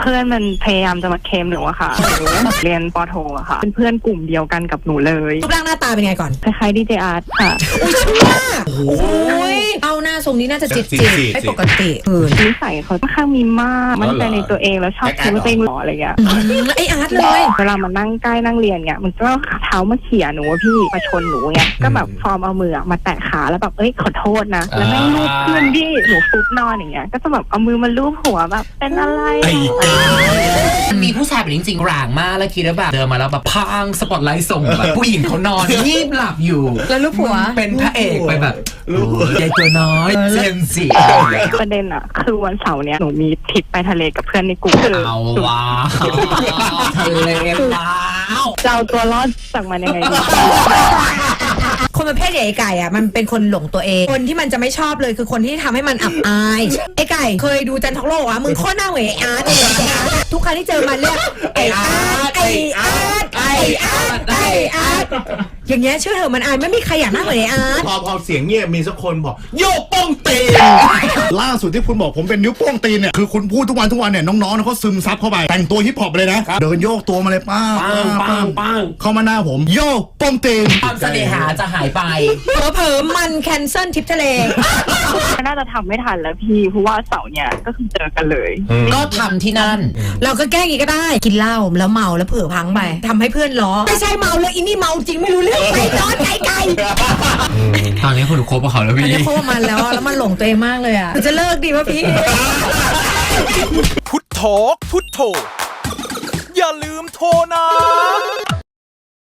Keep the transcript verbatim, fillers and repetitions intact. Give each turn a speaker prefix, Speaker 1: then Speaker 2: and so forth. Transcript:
Speaker 1: พื่อนมันพยายามจะมาเคมหนูอะค่ะหนูเรียนปอโทอะค่ะเป็นเพื่อนกลุ่มเดียวกันกับหนูเลย
Speaker 2: รูปร่างหน้าตาเป็นไงก่อน
Speaker 1: คล้ายๆดีเจอาร์ตค่ะ
Speaker 2: อุ้ยชั่วโอ้ยเอาหน้าทรงนี้น่าจะจิตจิตไม่ปกติเออ
Speaker 1: นิสัยเขาค่อนข้างมีมากมั่นใจในตัวเองแล้วชอบคิดว่าตัวเองหล่ออะไรเงี้ย
Speaker 2: ไออาร์ตเลย
Speaker 1: เวลามานั่งใกล้นั่งเรียนเงี้ยมันก็เท้ามาเขี่ยหนูพี่มาชนหนูเงี้ยก็แบบฟอร์มเอามือมาแตะขาแล้วแบบเอ้ยขอโทษนะแล้วแม่งลูบขึ้นพี่หนูฟุบนอนอย่างเงี้ยก็จะแบบเอามือมาลูบหัวแบบเป็นอะไร
Speaker 3: มันมีผู้ชายแบบจริงๆร่างมากแล้วคิดว่าแบบเดินมาแล้วแบบพังสปอตไลท์ส่งแบบผู้หญิงเขานอนงีบหลับอยู่
Speaker 2: แล้วลูบหัว
Speaker 3: เป็นพระเอกไปแบบใหญ่ตัวน้อยเซนสิ
Speaker 1: ประเด็นอะคือวันเสาร์เนี้ยหนูมีทริปไปทะเลกับเพื่อนในกลุ่ม
Speaker 3: เอาว้าวทะเลว้าว
Speaker 1: จะเอาตัวรอดจากมันยังไงดี
Speaker 2: คนประเภทใหญ่ไก่อ่ะมันเป็นคนหลงตัวเองคนที่มันจะไม่ชอบเลยคือคนที่ทำให้มันอับอายไอ้ไก่เคยดูจันทร์โลกอ่ะมึงโคตรหน้าเหวยไอ้อาร์ตทุกครั้งที่เจอมันเรียกไอ้อาร์ตไอ้อาร์ตไอ้อาร์ตไอ้อาร์ตอย่างเงี้ยเชื่อเถอะมันอายไม่มีใครอยากหน้าเหวยไอ้อาร์ต
Speaker 4: พอพอเสียงเงียบมีสักคนบอกโยกโป้งตีนล่าสุดที่คุณบอกผมเป็นนิ้วโป้งตีนเนี่ยคือคุณพูดทุกวันทุกวันเนี่ยน้องๆเขาซึมซับเข้าไปแต่งตัวฮิปฮอปเลยนะเดินโยกตัวมาเลยป้า
Speaker 3: ปังปัง
Speaker 4: เข้ามาหน้าผมโยกโป้งตีน
Speaker 3: ความเสน่หาจะหายไป
Speaker 2: เผลอๆมันแคนเซิลทริปทะเล
Speaker 1: น่าจะทำไม่ทันแล้วพี่เพราะว่าเสาร์เนี่ยก็คือเจอกันเลย
Speaker 3: ก็ทำที่นั่น
Speaker 2: เราก็แก้งี้ก็ได้กินเหล้าแล้วเมาแล้วเผลอพังไปทำให้เพื่อนล้อไม่ใช่เมาเลยอินี่เมาจริงไม่รู้เรื่องไปนอนไกล
Speaker 3: ๆตอนนี้คุณคบกับเขาแล้วพี่
Speaker 2: คบกับมันแล้วแล้วมันหลงตัวเองมากเลยอ่ะจะเลิกดีป่ะพี่
Speaker 5: พุทโธพุทโธอย่าลืมโทรนะ